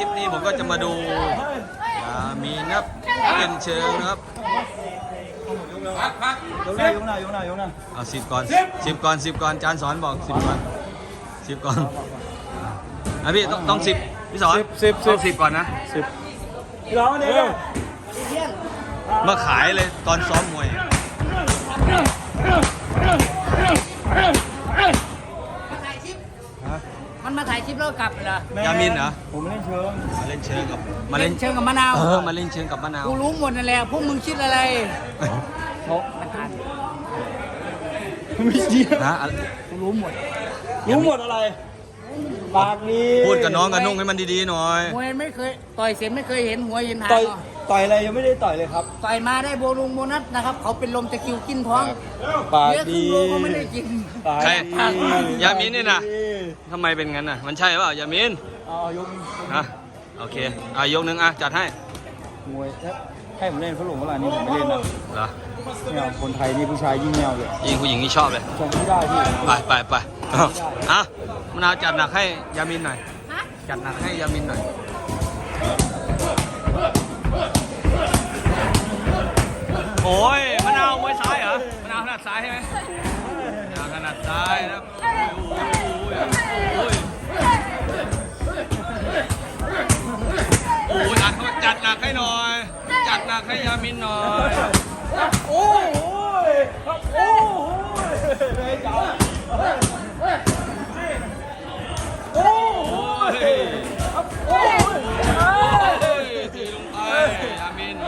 ลิปนี้ผมก็จะมาดูมีนับเป็นเชิงนะครับยกหน้ายกหน้ายกหน้ายกหน้าเอา10 ก่อนจานสอนบอก10 ก่อน10 ก่อนพี่ต้อง10พี่สอนต้อง10 ก่อนนะ 10พี่ร้องเนี่ยมาขายเลยตอนซ้อมมวยมันมาถ่ายคลิปแล้วกลับเหรอยามินเหรอผมเล่นเชิงมาเล่นเชิงกับมาเล่นเชิงกับมะนาวมาเล่นเชิงกับมะนาวกูรู้หมดนั่นแหละพวกมึงคิดอะไรโอ้ไม่เกี่ยวนะกูรู้หมดอะไรปากดีพูดกับน้องกับนุ่งให้มันดีๆหน่อยมวยไม่เคยต่อยเสียไม่เคยเห็นหัวเห็นหางต่อยอะไรยังไม่ได้ต่อยเลยครับต่อยมาได้โบนัสนะครับเขาเป็นลมตะคิวกินท้องปากดีเยอะขึ้นโลก็ไม่ได้กินใครยามินนี่นะทำไมเป็นงั้นน่ะมันใช่เปล่ายามินยกโอเคยกหนึ่งจัดให้มวยให้ผมเล่นฝรั่งเวลานี้ผมไม่เล่นนะเหรอเนี่ยคนไทยนี่ผู้ชายยิ่งแนวเลยยิ่งผู้หญิงนี่ชอบเลยชมไม่ได้พี่ไปมะนาวจัดหนักให้ยามินหน่อยจัดหนักให้ยามินหน่อยโอ้ยมะนาวมวยซ้ายเหรอมะนาวถนัดซ้ายใช่ไหมมะนาวถนัดซ้ายนะครับโอ้ยจัดหนักให้หน่อยจัดหนักให้ยามินหน่อยโอ้ยตีลงไปยามิน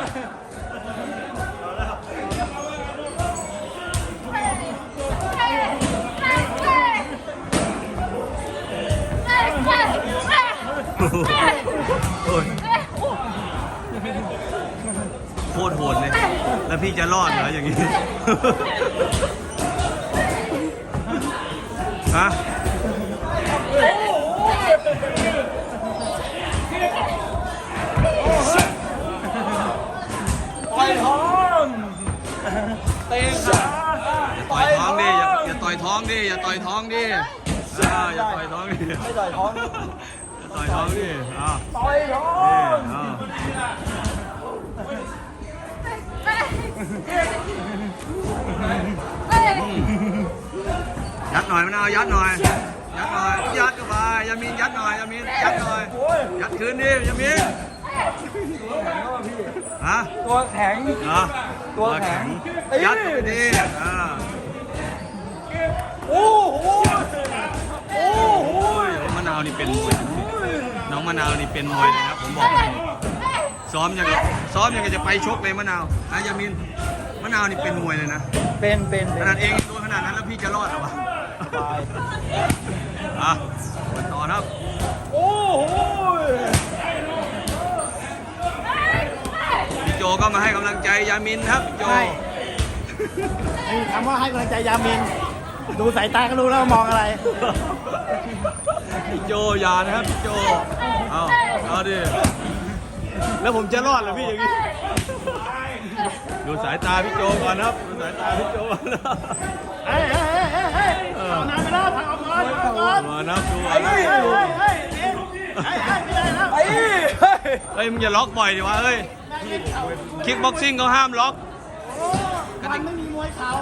โคตรโหดเลยแล้วพี่จะรอดเหรออย่างนี้ฮะต่อยท้องเตะขาต่อยท้องดิอย่าต่อยท้องดิอย่าต่อยท้องดิอย่าต่อยท้องดิไม่ต่อยท้องอย่าต่อยท้องดิต่อยท้องยัดหน่อยมะนาวยัดหน่อยยัดเข้าไปยามินยัดหน่อยยามินยัดหน่อยยัดคืนดิยามินตัวแข็งตัวแข็งยัดไปดิโอ้โหมะนาวนี่เป็นมวยน้องมะนาวนี่เป็นมวยเลยนะผมบอกซ้อมยังไงจะไปชกเลยมะนาวยามินมะนาวนี่เป็นมวยเลยนะเป็นขนาดเองโดนขนาดนั้นแล้วพี่จะรอดหรอวะต่อครับโอ้โหพี่โจก็มาให้กำลังใจยามินครับพี่โจคำว่าให้กำลังใจยามินดูสายตาก็รู้แล้วมองอะไรพี่โจยานะครับพี่โจเอาดิแล้วผมจะรอดเหรอพี่อย่างนี้ดูสายตาพี่โจก่อนครับดูสายตาพี่โจก่อนนะเอาน้ำไปแล้วพักเอาก่อนมานับดูเฮ้ยมึงอย่าล็อกบ่อยดิวะเฮ้ยคิกบ็อกซิ่งเขาห้ามล็อกมันไม่มีมวยเข่า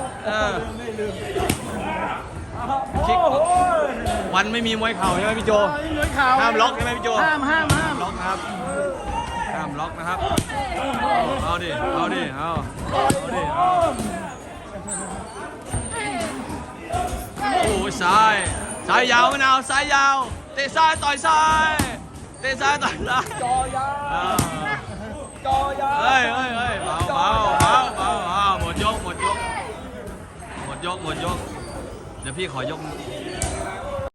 คิกวันไม่มีมวยเข่าใช่ไหมพี่โจห้ามล็อกใช่ไหมพี่โจห้ามล็อกครับห้ามล็อกนะครับเอาดิโอ้ยซ้ายยาวมะนาวซ้ายยาวเตะซ้ายต่อยซ้ายเตะซ้ายต่อยซ้ายจอยาเฮ้ยเบาหมดยกเดี๋ยวพี่ขอยก